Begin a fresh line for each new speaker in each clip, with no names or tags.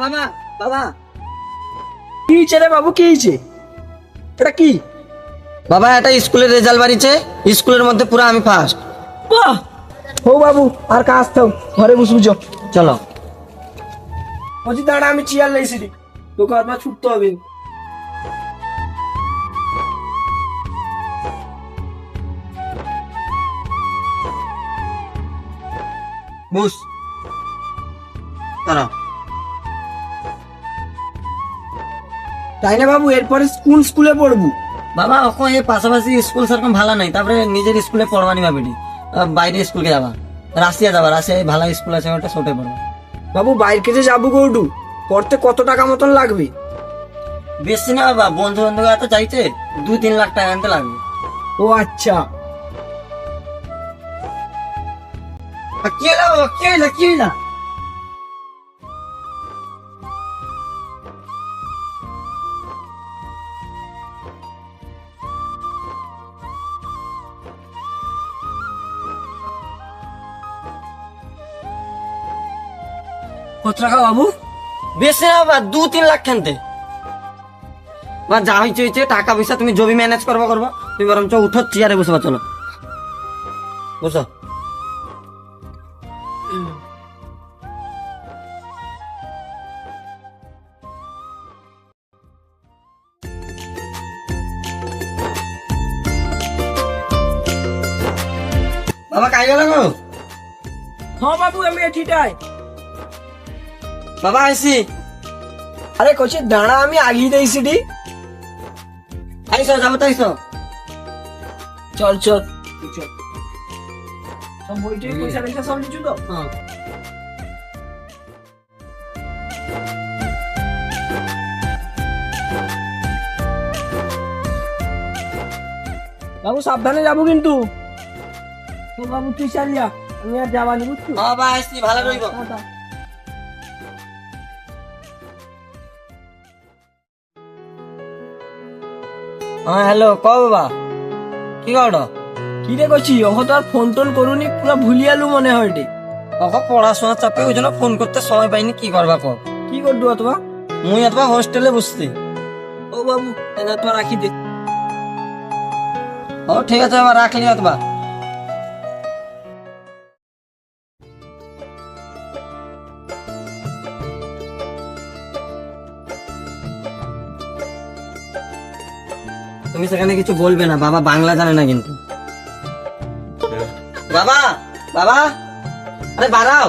বাবা বাবা
কি হয়েছে রে বাবু, কি হয়েছে? এটা কি?
বাবা, এটা স্কুলের রেজাল্ট বাড়িছে, স্কুলের মধ্যে পুরো আমি ফার্স্ট।
বাহ! হো বাবু, আর কাজ থাও, ঘরে বসে বুঝো।
চলো।
বলছি দাঁড়া, আমি চেয়ার লাইছি রে, তোকে আবার ছুটতে হবে।
বুঝ দাঁড়াও।
তাই না বাবু, এরপরে স্কুলে পড়বো।
বাবা ওখানে এই পাশাপাশি স্কুল সেরকম ভালো নাই, তারপরে নিজের স্কুলে পড়বানি ভাবিনি, বাইরে স্কুলকে যাবা, রাশিয়া যাবা, রাশিয়ায় ভালো স্কুল আছে, ওটা ছোটে পড়বা।
বাবু বাইরে যে যাবো গৌডু, পড়তে কত টাকা মতন লাগবে?
বেশি না বাবা, বন্ধু বান্ধব এত চাইছে 2-3 লাখ টাকা আনতে লাগবে।
ও আচ্ছা।
কি হলো বাবা, কি হইলো, কি হইলো?
কত টাকা বাবু?
বেশি না বাবা, 2-3 লাখ খানতে। বা যা হয়েছে হয়েছে, টাকা পয়সা তুমি জমি ম্যানেজ করবো, তুমি বরঞ্চ উঠো, চেয়ারে বসে চলো, বসো। বাবা কাই গেল গো?
হ্যাঁ বাবু, আমি এঠিটাই।
বাবা আইসি।
আরে কইছি দাঁড়া, আমি আগিয়ে দিয়েছি ডি।
আইসো, যাবো তো, আইসো।
চল চল চল। সব বইটাই পয়সা রেখে সব লিচু তো।
হ্যাঁ।
বাবু সাবধানে যাবো কিন্তু। তো বাবু তুই চালিয়া, আমি আর যাবানি বুঝছো।
বাবা আইসি, ভালো রইব।
টাটা।
হ্যাঁ হ্যালো, ক বাবা, কি করো?
কি রে করছি, ওহ তো আর ফোন টোন করুনি, পুরো ভুলিয়ালু মনে হয় রে।
কখন পড়াশোনার চাপে ওই জন্য ফোন করতে সময় পাইনি, কি করবা কো?
কি করবো অথবা?
মুই অথবা হোস্টেলে বসছি।
ও বাবু এনা তো রাখি দে।
ও ঠিক আছে বাবা, রাখলি অথবা। তুমি সেখানে কিছু বলবে না, বাবা বাংলা জানে না কিন্তু। বাবা বাবা, আরে বাড়াও।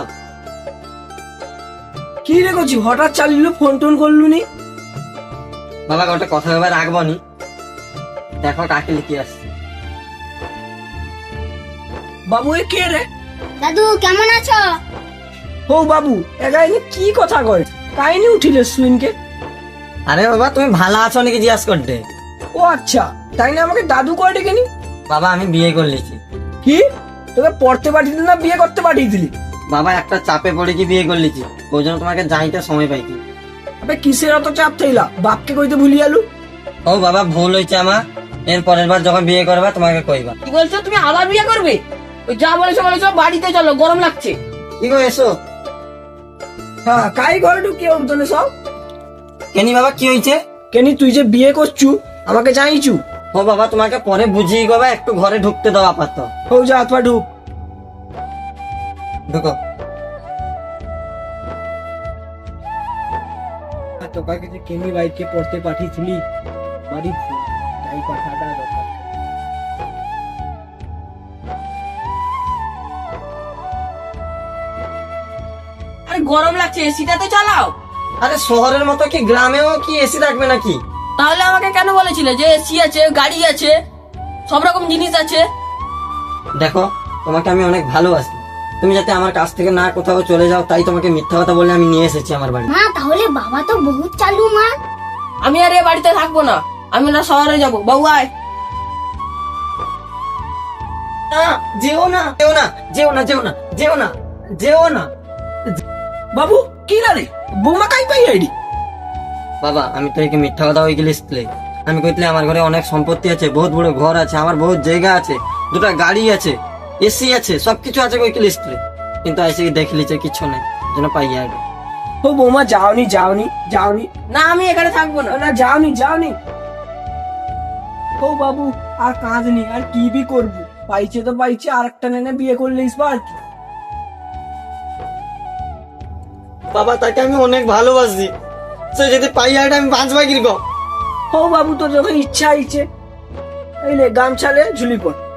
কি রে করছি, হঠাৎ চালিল, ফোন টোন করলু নি?
বাবা ওটা কথা ভেবে রাখবো নি, দেখো কাকে লিখে আসছে।
বাবু এ কে রে?
দাদু কেমন আছো?
ও বাবু এগাইনি কি কথা কয়, কাহিনী উঠিলে সুইনকে।
আরে বাবা তুমি ভালো আছো নাকি জিজ্ঞাসা করতে।
ও আচ্ছা, তাই না আমাকে দাদু কয় ডেকেনি?
বাবা আমি বিয়ে করে নিয়েছি।
কি, তোকে পড়তে পাঠিয়ে দিলি না বিয়ে করতে পাঠিয়ে দিলি?
বাবা একটা চাপে পড়ে কি বিয়ে করে নিয়েছি, ওই জন্য তোমাকে যাইতে সময় পাইছি।
আবে কিসের অত চাপ থাইলা, বাপকে কইতে ভুলিয়ালু।
ও বাবা ভুল হয়েছে আমার, এর পরের বার যখন বিয়ে করবা তোমাকে কইবা।
কি বলছো, তুমি আবার বিয়ে করবে? ওই যা বলেছো বাড়িতে চলো, গরম লাগছে।
কি গো এসো।
হ্যাঁ কাই ঘরে ঢুকিয়ে উঠতনে সব।
কেনি বাবা কি হয়েছে?
কেনি তুই যে বিয়ে করছু, আমাকে জানিছু?
ও বাবা তোমাকে পরে বুঝিয়ে গবা, একটু ঘরে ঢুকতে দাও আপাতত।
ও যা হাত পা ঢুক।
ঢুকো।
তোকে যে কেনি বাইকে পড়তে পাঠিয়েছিলি, বাড়ি তাই কথাটা দরকার।
আরে গরম লাগছে, এসিটা তো চালাও।
আরে শহরের মতো কি গ্রামেও কি এসি থাকবে নাকি?
তাহলে আমাকে কেন বলেছিলে যে এসি আছে, গাড়ি আছে, সব রকম জিনিস আছে?
দেখো তোমাকে আমি অনেক ভালোবাসি, তুমি যাতে আমার কাছ থেকে না কোথাও চলে যাও, তাই তোমাকে মিথ্যা কথা বলে আমি নিয়ে এসেছি আমার বাড়ি।
মা তাহলে বাবা তো বহুত চালু মা।
আমি আর এ বাড়িতে থাকবো না, আমি না শহরে যাবো। বাবু আয়।
না, যেও না, যেও না, যেও না, যেও না, যেও না, যেও না।
বাবু কি না রে, বৌমা কাই পাই আইডি?
বাবা আমি তো একে মিথ্যা কথা হয়ে গেলে, আমি কইলে আমার ঘরে অনেক সম্পত্তি আছে, বহুত বড় ঘর আছে, আমার বহুত জায়গা আছে, 2টা গাড়ি আছে, এসি আছে, সবকিছু আছে কইকে লিস্টে, কিন্তু আইসে দেখলিছে কিছু নাই, যেন পাইয়া আগে।
ও বৌমা যাওনি যাওনি যাওনি,
না আমি এখানে থাকবো না।
না যাওনি যাওনি। ও বাবু আর কাঁদনি, আর কি বি করবো, পাইছে তো পাইছে, আর একটা নেনে বিয়ে করলিস বা আর কি।
বাবা তাকে আমি অনেক ভালোবাসি, সে যদি পাই আর আমি বাঁচবা কিরকম।
ও বাবু তোর যখন ইচ্ছা আইছে, এই লে গামছালে ঝুলি পড়।